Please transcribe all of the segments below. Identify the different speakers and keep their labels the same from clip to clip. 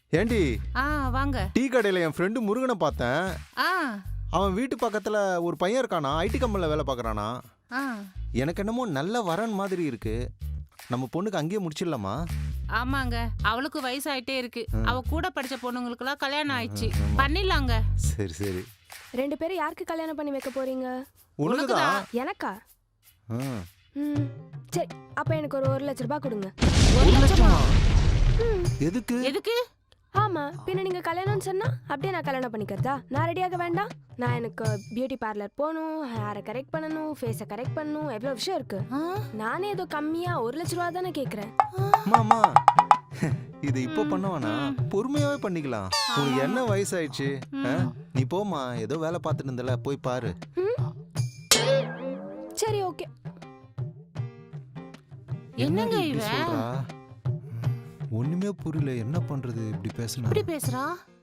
Speaker 1: ஏண்டி
Speaker 2: வாங்க.
Speaker 1: டீ கடையில் என் ஃப்ரெண்டு முருகனை பார்த்தேன்.
Speaker 2: ஆ
Speaker 1: அவன் வீட்டு பக்கத்தில் ஒரு பையன் இருக்கானா, ஐடி கம்பெனியில் வேலை பார்க்குறானா.
Speaker 2: ஆ
Speaker 1: எனக்கு என்னமோ நல்ல வரன் மாதிரி இருக்கு. நம்ம பொண்ணுக்கு அங்கேயே முடிச்சிடலாமா?
Speaker 2: ஆமாங்க, அவளுக்கு வயசாயிட்டே இருக்கு. அவ கூட படிச்ச பொண்ணுங்களுக்குலாம் கல்யாணம் ஆயிடுச்சு. பண்ணிடலாங்க.
Speaker 1: சரி சரி.
Speaker 3: 2 பேரும் யாருக்கு கல்யாணம் பண்ணி வைக்க போறீங்க?
Speaker 1: உனக்குதான்.
Speaker 3: எனக்கா?
Speaker 1: ம்.
Speaker 3: சரி, அப்ப எனக்கு ஒரு 1 லட்ச ரூபாய் கொடுங்க.
Speaker 2: 1 லட்சமா?
Speaker 1: எதுக்கு?
Speaker 2: எதுக்கு?
Speaker 3: ஆமா, பின்ன நீங்க கல்யாணம்னு சொன்னா அப்படியே நான் கல்யாணம் பண்ணிக்கிறதா? நான் ரெடியாக வேண்டாம்? நான் எனக்கு பியூட்டி பார்லர் போகணும், ஹேரை கரெக்ட் பண்ணணும், ஃபேஸை கரெக்ட் பண்ணணும், எவ்வளோ விஷயம் இருக்கு. நானே ஏதோ கம்மியா 1 லட்ச ரூபா தானே கேட்குறேன்.
Speaker 1: மாமா இது இப்போ பண்ணவானா? பொறுமையாவே பண்ணிக்கலாம். உனக்கு என்ன வயசாயிடுச்சு? நீ போமா, ஏதோ வேலை பார்த்துட்டு இருந்தல, போய் பாரு.
Speaker 3: சரி, ஓகே.
Speaker 2: என்னங்க
Speaker 1: இப்படி
Speaker 2: இவ
Speaker 1: சொல்றா? ஒண்ணுமே புரியல, என்ன பண்றது இப்படி பேசுனா?
Speaker 2: இப்படி பேசுறா?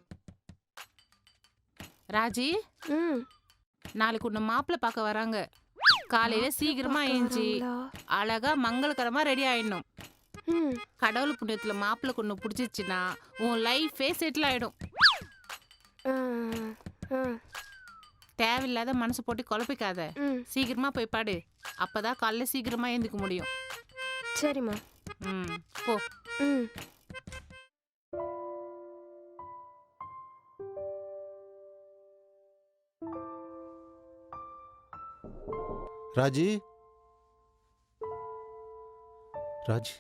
Speaker 2: ராஜி,
Speaker 3: ம்
Speaker 2: நாளைக்கு உன்னை மாப்பிள்ளை பார்க்க வராங்க. காலையில சீக்கிரமா ஏஞ்சி அழகா மங்களகரமா ரெடி ஆயிடணும்.
Speaker 3: ம்
Speaker 2: கடவுள் புண்ணியத்துல மாப்பிள்ளை கொண்டு பிடிச்சிச்சுன்னா உன் லைஃபே செட்டில் ஆயிடும்.
Speaker 3: ஆ, ஆ,
Speaker 2: தேவையில்லாத மனசு போட்டு குழப்பிக்காத.
Speaker 3: ம்
Speaker 2: சீக்கிரமா போய் பாடு. அப்பதான் காலைல சீக்கிரமா ஏந்துக்க முடியும்.
Speaker 3: சரிம்மா.
Speaker 2: போ.
Speaker 3: ம்
Speaker 1: ராஜி, ராஜி,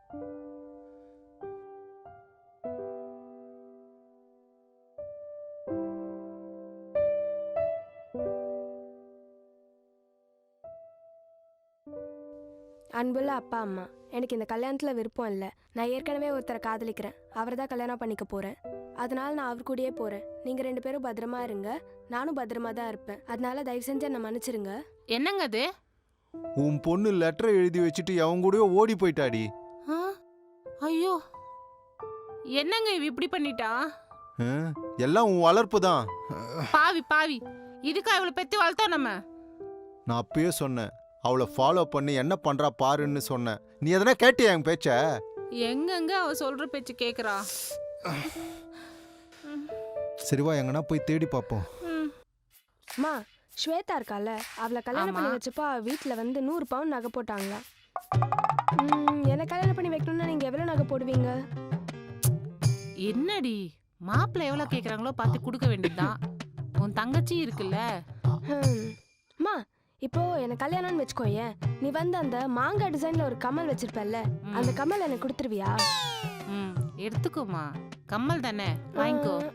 Speaker 3: அன்புள்ள அப்பா அம்மா, எனக்கு இந்த கல்யாணத்தில் விருப்பம் இல்லை. நான் ஏற்கனவே ஒருத்தரை காதலிக்கிறேன். அவரை தான் கல்யாணம் பண்ணிக்க போகிறேன். அதனால நான் அவர் கூடயே போகிறேன். நீங்கள் 2 பேரும் பத்திரமா இருங்க. நானும் பத்திரமா தான் இருப்பேன். அதனால தயவு செஞ்சு என்னை மன்னிச்சிருங்க.
Speaker 2: என்னங்க அது?
Speaker 1: உன் பொண்ணு லெட்டரை எழுதி வச்சுட்டு அவங்க கூடவே ஓடி போயிட்டாடி.
Speaker 2: ஐயோ, என்னங்க இவ இப்படி பண்ணிட்டா?
Speaker 1: எல்லாம் உன் வளர்ப்பு தான்.
Speaker 2: பாவி பாவி, இதுக்கா இவளை பெத்து வளர்த்தோம் நம்ம?
Speaker 1: நான் அப்பயே சொன்னேன், அவளை ஃபாலோ பண்ணி என்ன பண்றா பாருன்னு சொன்னேன். நீ எதனா கேட்டியா என் பேச்ச?
Speaker 2: எங்கெங்க அவ சொல்ற பேச்சு கேக்குறா?
Speaker 1: சரிவா, எங்கன்னா போய் தேடி பார்ப்போம்.
Speaker 3: அம்மா, ஸ்வேதா இருக்கால, அவளை கல்யாணம் பண்ணி வச்சப்போ வீட்டில் வந்து 100 பவுன் நகை போட்டாங்களா. என்னை கல்யாணம் பண்ணி வைக்கணும்னா நீங்கள் எவ்வளோ நகை போடுவீங்க?
Speaker 2: என்னடி, மாப்பிள்ளை எவ்வளவு கேக்குறாங்களோ பார்த்து கொடுக்க வேண்டியதுதான். உன் தங்கச்சி இருக்குல்ல.
Speaker 3: அம்மா, இப்போ எனக்கு கல்யாணம்னு வச்சுக்கோயேன், நீ வந்து அந்த மாங்காய் டிசைன்ல ஒரு கம்மல் வச்சிருப்பல்ல, அந்த கம்மல் எனக்கு கொடுத்துருவியா?
Speaker 2: எடுத்துக்கோமா, கம்மல் தானே, வாங்கிக்கோ.